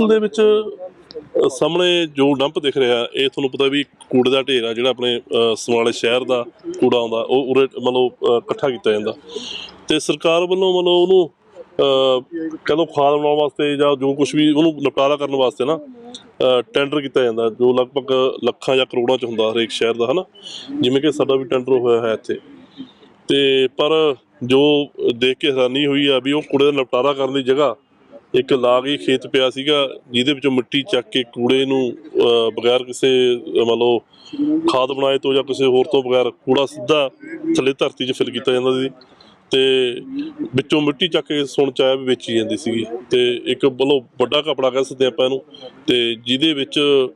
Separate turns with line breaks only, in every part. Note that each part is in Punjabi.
ਅਸਲ ਦੇ ਵਿੱਚ ਸਾਹਮਣੇ ਜੋ ਡੰਪ ਦਿਖ ਰਿਹਾ ਇਹ ਤੁਹਾਨੂੰ ਪਤਾ ਵੀ ਕੂੜੇ ਦਾ ਢੇਰ ਆ ਜਿਹੜਾ ਆਪਣੇ ਸਮਰਾਲੇ ਸ਼ਹਿਰ ਦਾ ਕੂੜਾ ਆਉਂਦਾ ਉਹ ਉਰੇ ਮਤਲਬ ਇਕੱਠਾ ਕੀਤਾ ਜਾਂਦਾ ਅਤੇ ਸਰਕਾਰ ਵੱਲੋਂ ਮਤਲਬ ਉਹਨੂੰ ਕਹਿ ਲਓ ਖਾਦ ਬਣਾਉਣ ਵਾਸਤੇ ਜਾਂ ਜੋ ਕੁਛ ਵੀ ਉਹਨੂੰ ਨਿਪਟਾਰਾ ਕਰਨ ਵਾਸਤੇ ਨਾ ਟੈਂਡਰ ਕੀਤਾ ਜਾਂਦਾ ਜੋ ਲਗਭਗ ਲੱਖਾਂ ਜਾਂ ਕਰੋੜਾਂ 'ਚ ਹੁੰਦਾ ਹਰੇਕ ਸ਼ਹਿਰ ਦਾ ਹੈ ਨਾ, ਜਿਵੇਂ ਕਿ ਸਾਡਾ ਵੀ ਟੈਂਡਰ ਹੋਇਆ ਹੈ ਇੱਥੇ। ਅਤੇ ਪਰ ਜੋ ਦੇਖ ਕੇ ਹੈਰਾਨੀ ਹੋਈ ਆ ਵੀ ਉਹ ਕੂੜੇ ਦਾ ਨਿਪਟਾਰਾ ਕਰਨ ਦੀ ਜਗ੍ਹਾ ਇੱਕ ਲਾਗ ਹੀ ਖੇਤ ਪਿਆ ਸੀਗਾ ਜਿਹਦੇ ਵਿੱਚੋਂ ਮਿੱਟੀ ਚੱਕ ਕੇ ਕੂੜੇ ਨੂੰ ਬਗੈਰ ਕਿਸੇ ਮੰਨ ਲਓ ਖਾਦ ਬਣਾਏ ਤੋਂ ਜਾਂ ਕਿਸੇ ਹੋਰ ਤੋਂ ਬਗੈਰ ਕੂੜਾ ਸਿੱਧਾ ਥੱਲੇ ਧਰਤੀ 'ਚ ਫਿਲ ਕੀਤਾ ਜਾਂਦਾ ਸੀ ਅਤੇ ਵਿੱਚੋਂ ਮਿੱਟੀ ਚੱਕ ਕੇ ਸੁਣ 'ਚ ਆਇਆ ਵੀ ਵੇਚੀ ਜਾਂਦੀ ਸੀਗੀ। ਅਤੇ ਇੱਕ ਮਤਲਬ ਵੱਡਾ ਕਪੜਾ ਕਹਿ ਸਕਦੇ ਆਪਾਂ ਇਹਨੂੰ, ਅਤੇ ਜਿਹਦੇ ਵਿੱਚ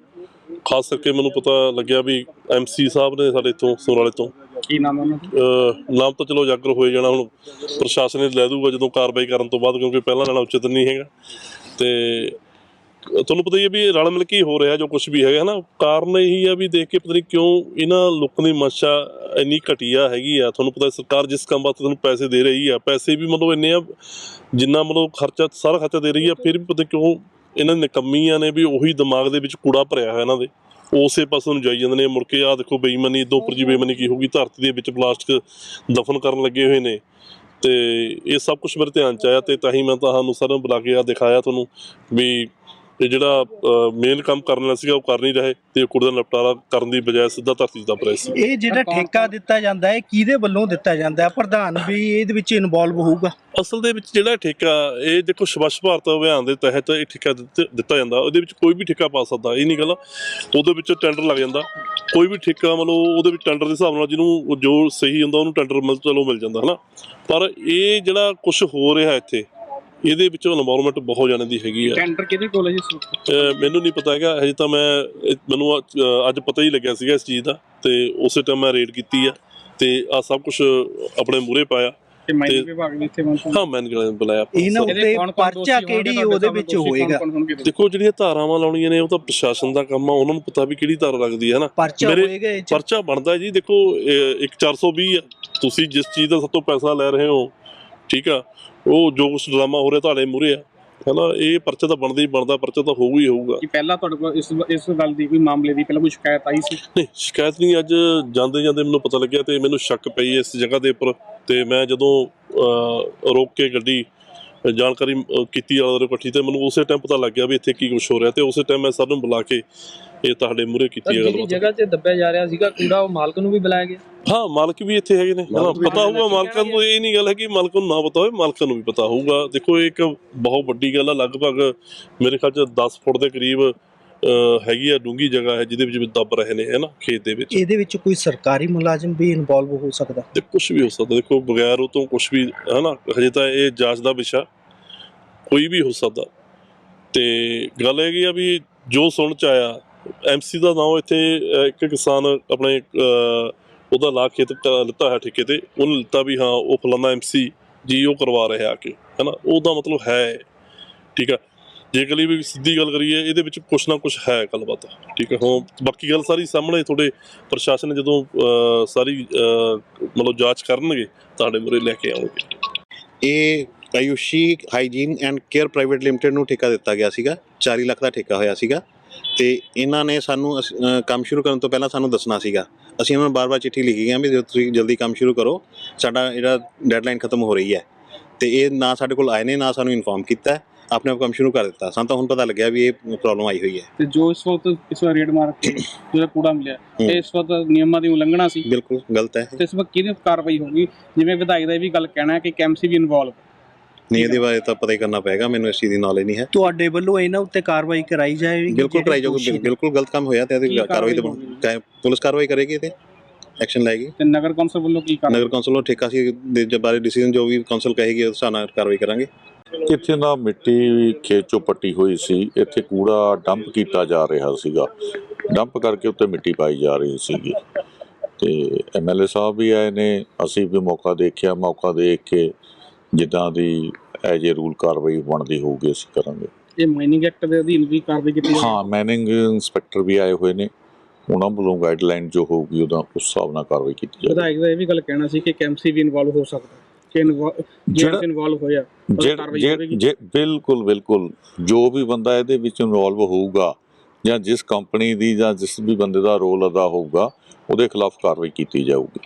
ਖਾਸ ਕਰਕੇ ਮੈਨੂੰ ਪਤਾ ਲੱਗਿਆ ਵੀ MC ਸਾਹਿਬ ਨੇ ਸਾਡੇ ਇੱਥੋਂ ਸਮਰਾਲੇ ਤੋਂ।
ਕੀ ਨਾਮ ਉਹਨਾਂ ਦਾ?
ਨਾਮ ਤਾਂ ਚਲੋ ਉਜਾਗਰ ਹੋਏ ਜਾਣਾ, ਹੁਣ ਪ੍ਰਸ਼ਾਸਨ ਨੇ ਲੈ ਦੂਗਾ ਜਦੋਂ ਕਾਰਵਾਈ ਕਰਨ ਤੋਂ ਬਾਅਦ, ਕਿਉਂਕਿ ਪਹਿਲਾਂ ਨਾਲੋਂ ਉਚਿਤ ਨਹੀਂ ਹੈਗਾ। ਅਤੇ ਤੁਹਾਨੂੰ ਪਤਾ ਹੀ ਹੈ ਵੀ ਰਲ ਮਿਲ ਕੇ ਹੀ ਹੋ ਰਿਹਾ ਜੋ ਕੁਛ ਵੀ ਹੈਗਾ ਹੈ ਨਾ। ਕਾਰਨ ਇਹੀ ਆ ਵੀ ਦੇਖ ਕੇ ਪਤਾ ਨਹੀਂ ਕਿਉਂ ਇਹਨਾਂ ਲੋਕਾਂ ਦੀ ਮਨਸ਼ਾ ਇੰਨੀ ਘਟੀਆ ਹੈਗੀ ਆ। ਤੁਹਾਨੂੰ ਪਤਾ ਸਰਕਾਰ ਜਿਸ ਕੰਮ ਵਾਸਤੇ ਤੁਹਾਨੂੰ ਪੈਸੇ ਦੇ ਰਹੀ ਆ, ਪੈਸੇ ਵੀ ਮਤਲਬ ਇੰਨੇ ਆ ਜਿੰਨਾ ਮਤਲਬ ਖਰਚਾ ਸਾਰਾ ਖਰਚਾ ਦੇ ਰਹੀ ਆ, ਫਿਰ ਵੀ ਪਤਾ ਕਿਉਂ ਇਹਨਾਂ ਨਿਕੰਮੀਆਂ ਨੇ ਵੀ ਉਹੀ ਦਿਮਾਗ ਦੇ ਵਿੱਚ ਕੂੜਾ ਭਰਿਆ ਹੋਇਆ ਇਹਨਾਂ ਦੇ, ਉਸੇ ਪਾਸੇ ਨੂੰ ਜਾਈ ਜਾਂਦੇ ਨੇ। ਮੁੜ ਕੇ ਆਹ ਦੇਖੋ ਬੇਈਮਾਨੀ ਇੱਦੋਂ ਉੱਪਰ ਜੀ ਬੇਈਮਾਨੀ ਕੀ ਹੋਊਗੀ, ਧਰਤੀ ਦੇ ਵਿੱਚ ਪਲਾਸਟਿਕ ਦਫਨ ਕਰਨ ਲੱਗੇ ਹੋਏ ਨੇ। ਅਤੇ ਇਹ ਸਭ ਕੁਛ ਮੇਰੇ ਧਿਆਨ 'ਚ ਆਇਆ ਅਤੇ ਤਾਂ ਹੀ ਮੈਂ ਤੁਹਾਨੂੰ ਸਾਰਿਆਂ ਨੂੰ ਬੁਲਾ ਕੇ ਦਿਖਾਇਆ ਤੁਹਾਨੂੰ ਵੀ ਇਹ ਜਿਹੜਾ ਮੇਨ ਕੰਮ ਕਰਨ ਵਾਲਾ ਸੀਗਾ ਉਹ ਕਰ ਨਹੀਂ ਰਹੇ ਅਤੇ ਕੂੜੇ ਦਾ ਨਿਪਟਾਰਾ ਕਰਨ ਦੀ ਬਜਾਏ ਸਿੱਧਾ ਧਰਤੀ 'ਚ ਦੱਬ ਰਹੇ ਸੀ।
ਇਹ ਜਿਹੜਾ ਠੇਕਾ ਦਿੱਤਾ ਜਾਂਦਾ ਹੈ ਕਿਹਦੇ ਵੱਲੋਂ ਦਿੱਤਾ ਜਾਂਦਾ ਹੈ? ਪ੍ਰਧਾਨ ਵੀ ਇਹਦੇ ਵਿੱਚ ਇਨਵੋਲਵ ਹੋਊਗਾ?
ਅਸਲ ਦੇ ਵਿੱਚ ਜਿਹੜਾ ਠੇਕਾ ਇਹ ਦੇਖੋ ਸਵੱਛ ਭਾਰਤ ਅਭਿਆਨ ਦੇ ਤਹਿਤ ਇਹ ਠੇਕਾ ਦਿੱਤਾ ਜਾਂਦਾ। ਉਹਦੇ ਵਿੱਚ ਕੋਈ ਵੀ ਠੇਕਾ ਪਾ ਸਕਦਾ, ਇਹ ਨਹੀਂ ਗੱਲ। ਉਹਦੇ ਵਿੱਚ ਟੈਂਡਰ ਲੱਗ ਜਾਂਦਾ, ਕੋਈ ਵੀ ਠੇਕਾ ਮਤਲਬ ਉਹਦੇ ਵਿੱਚ ਟੈਂਡਰ ਦੇ ਹਿਸਾਬ ਨਾਲ ਜਿਹਨੂੰ ਜੋ ਸਹੀ ਹੁੰਦਾ ਉਹਨੂੰ ਟੈਂਡਰ ਮਿਲ ਜਾਂਦਾ ਹੈ ਨਾ। ਪਰ ਇਹ ਜਿਹੜਾ ਕੁਛ ਹੋ ਰਿਹਾ ਇੱਥੇ ਇਹਦੇ ਵਿੱਚ ਇਨਵਾਇਰਮੈਂਟ ਬਹੁਤ ਜਾਣੇ ਦੀ ਹੈਗੀ ਆ।
ਟੈਂਡਰ ਕਿਹਦੇ ਕੋਲ ਹੈ ਜੀ?
ਮੈਨੂੰ ਨਹੀਂ ਪਤਾ ਹੈਗਾ ਹਜੇ ਤਾਂ। ਮੈਨੂੰ ਅੱਜ ਪਤਾ ਹੀ ਲੱਗਿਆ ਸੀਗਾ ਇਸ ਚੀਜ਼ ਦਾ ਅਤੇ ਉਸੇ ਟਾਈਮ ਮੈਂ ਰੇਡ ਕੀਤੀ ਆ ਅਤੇ ਆਹ ਸਭ ਕੁਛ ਆਪਣੇ ਮੂਹਰੇ ਪਾਇਆ। ਹਾਂ, ਮੈਨੇਜਰ ਬੁਲਾਇਆ।
ਇਹਨਾਂ ਉੱਤੇ ਪਰਚਾ ਕਿਹੜੀ ਉਹਦੇ ਵਿੱਚ ਹੋਏਗਾ?
ਦੇਖੋ ਜਿਹੜੀਆਂ ਧਾਰਾਵਾਂ ਲਾਉਣੀਆਂ ਨੇ ਉਹ ਤਾਂ ਪ੍ਰਸ਼ਾਸਨ ਦਾ ਕੰਮ ਆ, ਉਹਨਾਂ ਨੂੰ ਪਤਾ ਵੀ ਕਿਹੜੀ ਧਾਰਾ ਲੱਗਦੀ ਹੈ ਨਾ। ਪਰਚਾ ਬਣਦਾ ਜੀ। ਦੇਖੋ ਇੱਕ 420 ਆ, ਤੁਸੀਂ ਜਿਸ ਚੀਜ਼ ਦਾ ਸਭ ਤੋਂ ਪੈਸਾ ਲੈ ਰਹੇ ਹੋ, ਠੀਕ ਆ, ਉਹ ਜੋ ਕੁਛ ਡਰਾਮਾ ਹੋ ਰਿਹਾ ਤੁਹਾਡੇ ਮੂਹਰੇ ਆ, ਹੈ ਨਾ। ਇਹ ਪਰਚਾ ਤਾਂ ਬਣਦਾ ਹੀ ਬਣਦਾ, ਪਰਚਾ ਤਾਂ ਹੋਊ ਹੀ ਹੋਊਗਾ।
ਪਹਿਲਾਂ ਤੁਹਾਡੇ ਕੋਲ ਇਸ ਗੱਲ ਦੀ ਕੋਈ ਮਾਮਲੇ ਦੀ ਪਹਿਲਾਂ ਕੋਈ ਸ਼ਿਕਾਇਤ ਆਈ ਸੀ?
ਨਹੀਂ, ਸ਼ਿਕਾਇਤ ਨਹੀਂ। ਅੱਜ ਜਾਂਦੇ ਜਾਂਦੇ ਮੈਨੂੰ ਪਤਾ ਲੱਗਿਆ ਅਤੇ ਮੈਨੂੰ ਸ਼ੱਕ ਪਈ ਇਸ ਜਗ੍ਹਾ ਦੇ ਉੱਪਰ। ਅਤੇ ਮੈਂ ਜਦੋਂ ਰੋਕ ਕੇ ਗੱਡੀ ਜਾਣਕਾਰੀ ਕੀਤੀ ਇਕੱਠੀ, ਅਤੇ ਮੈਨੂੰ ਉਸੇ ਟਾਈਮ ਪਤਾ ਲੱਗ ਗਿਆ ਵੀ ਇੱਥੇ ਕੀ ਕੁਛ ਹੋ ਰਿਹਾ, ਅਤੇ ਉਸੇ ਟਾਈਮ ਮੈਂ ਸਭ ਨੂੰ ਬੁਲਾ ਕੇ ਇਹ ਤੁਹਾਡੇ ਮੂਹਰੇ ਕੀਤੀ ਹੈ ਗੱਲ।
ਜਗ੍ਹਾ 'ਚ ਦੱਬਿਆ ਜਾ ਰਿਹਾ ਸੀਗਾ ਕੂੜਾ, ਉਹ ਮਾਲਕ ਨੂੰ ਵੀ ਬੁਲਾਇਆ ਗਿਆ? ਹਾਂ,
ਮਾਲਕ ਵੀ ਇੱਥੇ ਹੈਗੇ ਨੇ, ਪਤਾ ਹੋਊਗਾ ਮਾਲਕਾਂ ਨੂੰ। ਇਹ ਨਹੀਂ ਗੱਲ ਹੈ ਕਿ ਮਾਲਕਾਂ ਨੂੰ ਨਾ ਪਤਾ ਹੋਵੇ, ਮਾਲਕਾਂ ਨੂੰ ਵੀ ਪਤਾ ਹੋਊਗਾ। ਦੇਖੋ ਇਹ ਇੱਕ ਬਹੁਤ ਵੱਡੀ ਗੱਲ ਆ। ਲਗਭਗ ਮੇਰੇ ਖਿਆਲ 'ਚ 10 ਫੁੱਟ ਦੇ ਕਰੀਬ ਹੈਗੀ ਆ ਡੂੰਘੀ ਜਗ੍ਹਾ ਹੈ ਜਿਹਦੇ ਵਿੱਚ ਦੱਬ ਰਹੇ ਨੇ, ਹੈ ਨਾ, ਖੇਤ ਦੇ ਵਿੱਚ।
ਇਹਦੇ ਵਿੱਚ ਕੋਈ ਸਰਕਾਰੀ ਮੁਲਾਜ਼ਮ ਵੀ ਇਨਵੋਲਵ ਹੋ ਸਕਦਾ?
ਤੇ ਕੁਛ ਵੀ ਹੋ ਸਕਦਾ। ਦੇਖੋ ਬਗੈਰ ਉਹ ਤੋਂ ਕੁਛ ਵੀ, ਹੈ ਨਾ, ਹਜੇ ਤਾਂ ਇਹ ਜਾਂਚ ਦਾ ਵਿਸ਼ਾ, ਕੋਈ ਵੀ ਹੋ ਸਕਦਾ। ਅਤੇ ਗੱਲ ਹੈਗੀ ਆ ਵੀ ਜੋ ਸੁਣ 'ਚ ਆਇਆ, MC ਦਾ ਨਾਮ ਇੱਥੇ ਇੱਕ ਕਿਸਾਨ ਆਪਣੇ ਉਹਦਾ ਲਾ ਖੇਤ ਲਿੱਤਾ ਹੈ ਠੇਕੇ 'ਤੇ, ਉਹਨੇ ਲਿੱਤਾ ਵੀ ਹਾਂ ਉਹ ਫਲਾਨਾ MC ਜੀ ਉਹ ਕਰਵਾ ਰਿਹਾ ਆ ਕੇ, ਹੈ ਨਾ। ਉਹਦਾ ਮਤਲਬ ਹੈ, ਠੀਕ ਆ। ਜੇ ਕਲੀ ਵੀ ਸਿੱਧੀ ਗੱਲ ਕਰੀਏ ਇਹਦੇ ਵਿੱਚ ਕੁਛ ਨਾ ਕੁਛ ਹੈ ਗੱਲਬਾਤ, ਠੀਕ ਹੈ। ਹੁਣ ਬਾਕੀ ਗੱਲ ਸਾਰੀ ਸਾਹਮਣੇ ਤੁਹਾਡੇ ਪ੍ਰਸ਼ਾਸਨ ਨੇ ਜਦੋਂ ਸਾਰੀ ਮਤਲਬ ਜਾਂਚ ਕਰਨਗੇ ਤੁਹਾਡੇ ਮੂਹਰੇ ਲੈ ਕੇ ਆਉਣਗੇ।
ਇਹ Ayushi hygiene and care private limited ਨੂੰ ਠੇਕਾ ਦਿੱਤਾ ਗਿਆ ਸੀਗਾ। 40 ਲੱਖ ਦਾ ਠੇਕਾ ਹੋਇਆ ਸੀਗਾ ਅਤੇ ਇਹਨਾਂ ਨੇ ਸਾਨੂੰ ਕੰਮ ਸ਼ੁਰੂ ਕਰਨ ਤੋਂ ਪਹਿਲਾਂ ਸਾਨੂੰ ਦੱਸਣਾ ਸੀਗਾ। ਅਸੀਂ ਉਹਨਾਂ ਨੂੰ ਬਾਰ-ਬਾਰ ਚਿੱਠੀ ਲਿਖੀ ਗਏ ਵੀ ਜਦੋਂ ਤੁਸੀਂ ਜਲਦੀ ਕੰਮ ਸ਼ੁਰੂ ਕਰੋ, ਸਾਡਾ ਜਿਹੜਾ ਡੈਡਲਾਈਨ ਖਤਮ ਹੋ ਰਹੀ ਹੈ। ਅਤੇ ਇਹ ਨਾ ਸਾਡੇ ਕੋਲ ਆਏ ਨੇ, ਨਾ ਸਾਨੂੰ ਇਨਫੋਰਮ ਕੀਤਾ, ਆਪਣੇ ਆਪ ਕੰਮ ਸ਼ੁਰੂ ਕਰ ਦਿੱਤਾ। ਸਾਨੂੰ ਤਾਂ ਹੁਣ ਪਤਾ ਲੱਗਿਆ ਵੀ ਇਹ ਪ੍ਰੋਬਲਮ ਆਈ ਹੋਈ ਹੈ।
ਤੇ ਜੋ ਇਸ ਵਕਤ ਰੇਡ ਮਾਰ ਕੇ ਜਿਹੜਾ ਕੂੜਾ ਮਿਲਿਆ, ਇਹ ਇਸ ਵਕਤ ਨਿਯਮਾਂ ਦੀ ਉਲੰਘਣਾ ਸੀ,
ਬਿਲਕੁਲ ਗਲਤ ਹੈ।
ਤੇ ਇਸ ਵਕਤ ਕਿਹਦੀ ਕਾਰਵਾਈ ਹੋਊਗੀ? ਜਿਵੇਂ ਵਿਧਾਇਕ ਦਾ ਇਹ ਵੀ ਗੱਲ ਕਹਿਣਾ ਹੈ ਕਿ MC ਵੀ ਇਨਵੋਲਵ?
ਨਹੀਂ, ਇਹਦੇ ਬਾਰੇ ਤਾਂ ਪਤਾ ਹੀ ਕਰਨਾ ਪਏਗਾ, ਮੈਨੂੰ ਇਸ ਚੀਜ਼ ਦੀ ਨੌਲੇਜ ਨਹੀਂ ਹੈ।
ਤੁਹਾਡੇ ਵੱਲੋਂ ਇਹਨਾਂ ਉੱਤੇ ਕਾਰਵਾਈ ਕਰਾਈ ਜਾਏਗੀ?
ਬਿਲਕੁਲ ਕਰਾਈ ਜਾਊਗੀ। ਬਿਲਕੁਲ ਗਲਤ ਕੰਮ ਹੋਇਆ ਤੇ ਇਹਦੀ ਕਾਰਵਾਈ ਤਾਂ ਪੁਲਿਸ ਕਾਰਵਾਈ ਕਰੇਗੀ, ਤੇ ਐਕਸ਼ਨ ਲਏਗੀ।
ਤੇ ਨਗਰ ਕੌਂਸਲ ਵੱਲੋਂ ਕੀ ਕਾਰਵਾਈ?
ਨਗਰ ਕੌਂਸਲ ਨੂੰ ਠੇਕਾ ਸੀ ਦੇ ਬਾਰੇ ਡਿਸੀਜਨ ਜੋ ਵੀ ਕੌਂਸਲ ਕਹੇਗੀ ਉਸ ਹਿਸਾਬ ਨਾਲ ਕਾਰਵਾਈ ਕਰਾਂਗੇ।
ਇੱਥੇ ਨਾ ਮਿੱਟੀ ਖੇਤ 'ਚੋਂ ਪੱਟੀ ਹੋਈ ਸੀ, ਇੱਥੇ ਕੂੜਾ ਡੰਪ ਕੀਤਾ ਜਾ ਰਿਹਾ ਸੀਗਾ। ਡੰਪ ਕਰਕੇ ਉੱਤੇ ਮਿੱਟੀ ਪਾਈ ਜਾ ਰਹੀ ਸੀਗੀ, ਅਤੇ MLA ਸਾਹਿਬ ਵੀ ਆਏ ਨੇ, ਅਸੀਂ ਵੀ ਮੌਕਾ ਦੇਖਿਆ। ਮੌਕਾ ਦੇਖ ਕੇ ਜਿੱਦਾਂ ਦੀ ਐਜ ਏ ਰੂਲ ਕਾਰਵਾਈ ਬਣਦੀ ਹੋਊਗੀ ਅਸੀਂ ਕਰਾਂਗੇ।
ਇਹ ਮਾਈਨਿੰਗ ਐਕਟ ਦੇ ਅਧੀਨ ਵੀ ਕਾਰਵਾਈ ਕੀਤੀ?
ਹਾਂ, ਮਾਈਨਿੰਗ ਇੰਸਪੈਕਟਰ ਵੀ ਆਏ ਹੋਏ ਨੇ, ਉਹਨਾਂ ਵੱਲੋਂ ਗਾਈਡਲਾਈਨ ਜੋ ਹੋਊਗੀ ਉਹਦਾ ਉਸ ਹਿਸਾਬ ਨਾਲ ਕਾਰਵਾਈ ਕੀਤੀ ਜਾਏਗੀ।
ਵਿਧਾਇਕ ਦਾ ਇਹ ਵੀ ਗੱਲ ਕਹਿਣਾ ਸੀ ਕਿ MC ਵੀ ਇਨਵੋਲਵ ਹੋ ਸਕਦਾ? 'ਚ ਇਨਵੋਲਵ ਹੋਇਆ ਉਹਦਾ ਕਾਰਵਾਈ ਹੋਵੇਗੀ?
ਬਿਲਕੁਲ ਜੋ ਵੀ ਬੰਦਾ ਇਹਦੇ ਵਿੱਚ ਇਨਵੋਲਵ ਹੋਊਗਾ ਜਾਂ ਜਿਸ ਕੰਪਨੀ ਦੀ ਜਾਂ ਜਿਸ ਵੀ ਬੰਦੇ ਦਾ ਰੋਲ ਅਦਾ ਹੋਊਗਾ ਉਹਦੇ ਖਿਲਾਫ ਕਾਰਵਾਈ ਕੀਤੀ ਜਾਊਗੀ।